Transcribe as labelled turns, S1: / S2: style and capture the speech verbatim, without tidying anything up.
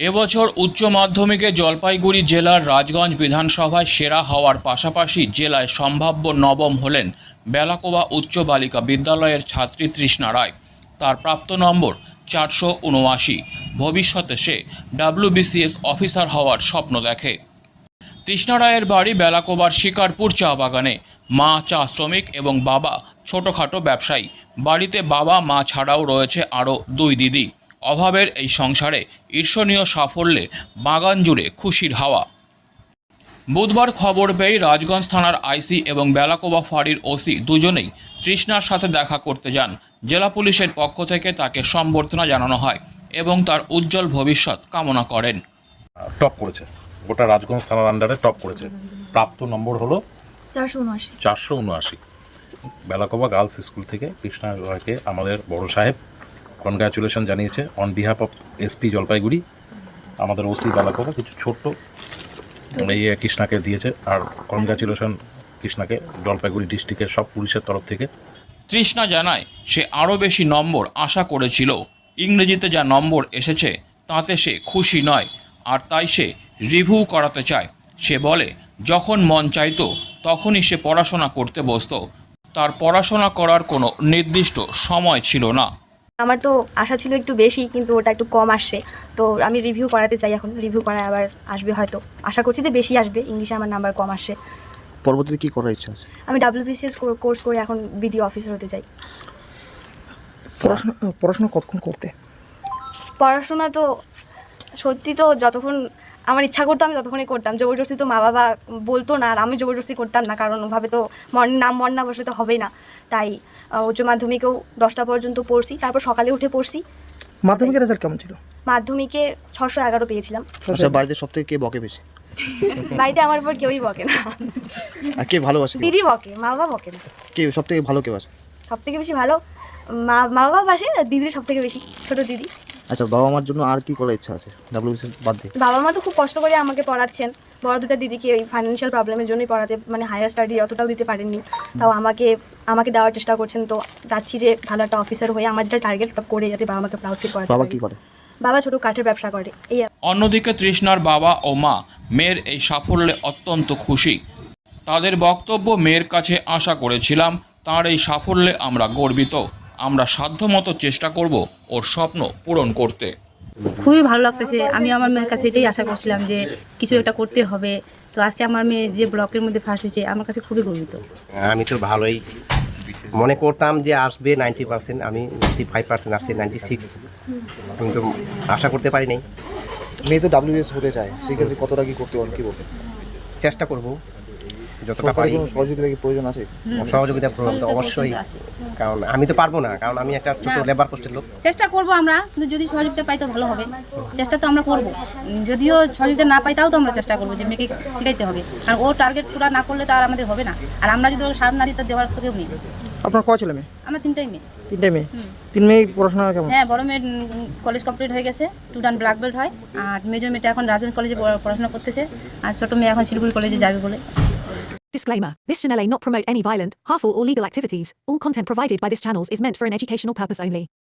S1: এবছর উচ্চ মাধ্যমিকে জলপাইগুড়ি জেলার রাজগঞ্জ বিধানসভায় সেরা হওয়ার পাশাপাশি জেলায় সম্ভাব্য নবম হলেন বেলাকোবা উচ্চ বালিকা বিদ্যালয়ের ছাত্রী তৃষ্ণা রায়। তার প্রাপ্ত নম্বর চারশো উনআশি। ভবিষ্যতে সে ডাব্লিউবিসিএস অফিসার হওয়ার স্বপ্ন দেখে। তৃষ্ণা রায়ের বাড়ি বেলাকোবার শিকারপুর চা বাগানে। মা চা শ্রমিক এবং বাবা ছোটোখাটো ব্যবসায়ী। বাড়িতে বাবা মা ছাড়াও রয়েছে আরও দুই দিদি। অভাবের এই সংসারে ঈর্ষণীয় সাফল্যে বাগান জুড়ে খুশির হাওয়া। বুধবার খবর পেয়ে রাজগঞ্জ থানার আইসি এবং বেলাকোবা ফাঁড়ির ওসি দুজনেই তৃষ্ণার সাথে দেখা করতে যান। জেলা পুলিশের পক্ষ থেকে তাকে সম্বর্ধনা জানানো হয় এবং তার উজ্জ্বল ভবিষ্যৎ কামনা করেন।
S2: টপ করেছে, গোটা রাজগঞ্জ থানার আন্ডারে টপ করেছে। প্রাপ্ত নম্বর হলো
S3: চারশো উনআশি
S2: চারশো উনআশি। বেলাকোবা গার্লস স্কুল থেকে তৃষ্ণা রায়কে আমাদের বড় সাহেব কনগ্রাচুলেশন জানিয়েছে on behalf of SP Jalpaiguri. আমাদের ওসি বেলাকোবা কিছু ছোট্ট এই কৃষ্ণাকে দিয়েছে, আর কনগ্রাচুলেশন কৃষ্ণাকে জলপাইগুড়ি ডিস্ট্রিক্টের সব পুলিশের তরফ থেকে।
S1: তৃষ্ণা জানায় সে আরও বেশি নম্বর আশা করেছিল। ইংরেজিতে যা নম্বর এসেছে তাতে সে খুশি নয়, আর তাই সে রিভিউ করাতে চায়। সে বলে যখন মন চাইতো তখনই সে পড়াশোনা করতে বসতো। তার পড়াশোনা করার কোনো নির্দিষ্ট সময় ছিল না।
S3: আমার তো আশা ছিল একটু বেশি, কিন্তু ওটা একটু কম আসছে, তো আমি রিভিউ করাতে চাই। এখন রিভিউ করায় আবার আসবে, হয়তো আশা করছি যে বেশি আসবে। ইংলিশে আমার নাম্বার কম আসছে।
S4: পরবর্তীতে কী করার ইচ্ছা আছে?
S3: আমি ডাব্লিউবিসিএস কোর্স করে এখন বিডিও অফিসার হতে চাই।
S4: পড়াশোনা পড়াশোনা কতক্ষণ করতে?
S3: পড়াশোনা তো সত্যি তো যতক্ষণ আমার ইচ্ছা করতো আমি ততক্ষণই করতাম। জবরদস্তি তো মা বাবা বলতো না, আর আমি জবরদস্তি করতাম না, কারণ ওভাবে তো মন নাম মন না বসলে তো হবেই না। তাই উচ্চ মাধ্যমিকেও দশটা পর্যন্ত পড়ছি, তারপর সকালে উঠে পড়ছি।
S4: মাধ্যমিকের রেজাল্ট কেমন ছিল?
S3: মাধ্যমিকে ছশো এগারো পেয়েছিলাম।
S4: আচ্ছা, বাড়িতে সব থেকে কে বকে বেশি?
S3: বাড়িতে আমার উপর কেউই বকে না।
S4: আর কে ভালোবাসে?
S3: দিদি বকে, মা বাবা বকে না।
S4: কে সব থেকে ভালো কে বাসে?
S3: সব থেকে বেশি ভালো মা মা বাবা বাসে, দিদি সব থেকে বেশি, ছোটো দিদি।
S4: আচ্ছা, বাবা মার জন্য আর কি করার ইচ্ছা আছে ডাব্লিউবিসি বাদ দিয়ে?
S3: বাবা মা তো খুব কষ্ট করে আমাকে পড়াচ্ছেন। বড় দুটো দিদিকে ওই ফাইন্যান্সিয়াল প্রবলেমের জন্যই পড়াতে, মানে হায়ার স্টাডি অতটাও দিতে পারেননি, তাও আমাকে আমাকে দেওয়ার চেষ্টা করছেন। তো যাচ্ছি যে ভালো একটা অফিসার হয়ে আমার যেটা টার্গেট করে যাতে বাবা মাকে প্রাউড ফিল করাতে।
S4: বাবা কি করে?
S3: বাবা ছোটো কাঠের ব্যবসা করে। এই
S1: অন্যদিকে তৃষ্ণার বাবা ও মা মেয়ের এই সাফল্যে অত্যন্ত খুশি। তাদের বক্তব্য, মেয়ের কাছে আশা করেছিলাম, তার এই সাফল্যে আমরা গর্বিত। আমরা সাধ্যমতো চেষ্টা করব ওর স্বপ্ন পূরণ করতে।
S5: খুবই ভালো লাগতেছে। আমি আমার মেয়ের কাছে এটাই আশা করছিলাম যে কিছু একটা করতে হবে। তো আজকে আমার মেয়ে যে ব্লকের মধ্যে ফার্স্ট হয়েছে, আমার কাছে খুবই গর্বিত।
S6: আমি তো ভালোই মনে করতাম যে আসবে নাইনটি পার্সেন্ট, আমি নাইনটি ফাইভ পার্সেন্ট আসছে, নাইনটি সিক্স। আমি তো আশা করতে পারি নাই।
S4: মেয়ে তো ডাব্লিউবিএস হতে চায়, সেক্ষেত্রে কতটা কি করতে পারেন, কী বলবেন?
S6: চেষ্টা করব যতটা পারি।
S4: সহযোগিতা কি প্রয়োজন আছে?
S6: সহযোগিতা করবো তো অবশ্যই, কারণ আমি তো পারবো না, কারণ আমি একটা ছোট লেবার পোস্টের লোক।
S5: চেষ্টা করব আমরা, কিন্তু যদি সহযোগিতা পাই তো ভালো হবে। চেষ্টা তো আমরা করব, যদিও সহযোগিতা না পাই তাও তো আমরা চেষ্টা করবো যে মেয়েকে শেখাইতে হবে, কারণ ও টার্গেট পুরো না করলে তো আর আমাদের হবে না। আর আমরা যদি ওর সাধ না দিতে দেওয়ার কেউ নেই।
S4: আপনার কয় ছেলে মেয়ে?
S5: আমার তিনটাই মেয়ে।
S4: তিনটে মেয়ে? তিন মেয়ে পড়াশোনা কেমন?
S5: হ্যাঁ, বড় মেয়ের কলেজ কমপ্লিট হয়ে গেছে, স্টুডেন্ট ব্ল্যাক বেল্ট হয়। আর মেজর মেয়েটা এখন রাজগঞ্জ কলেজে পড়াশোনা করতেছে, আর ছোটো মেয়ে এখন শিলিগুড়ি কলেজে যাবে বলে।
S7: Disclaimer. This channel may not promote any violent, harmful or legal activities. All content provided by this channel is meant for an educational purpose only.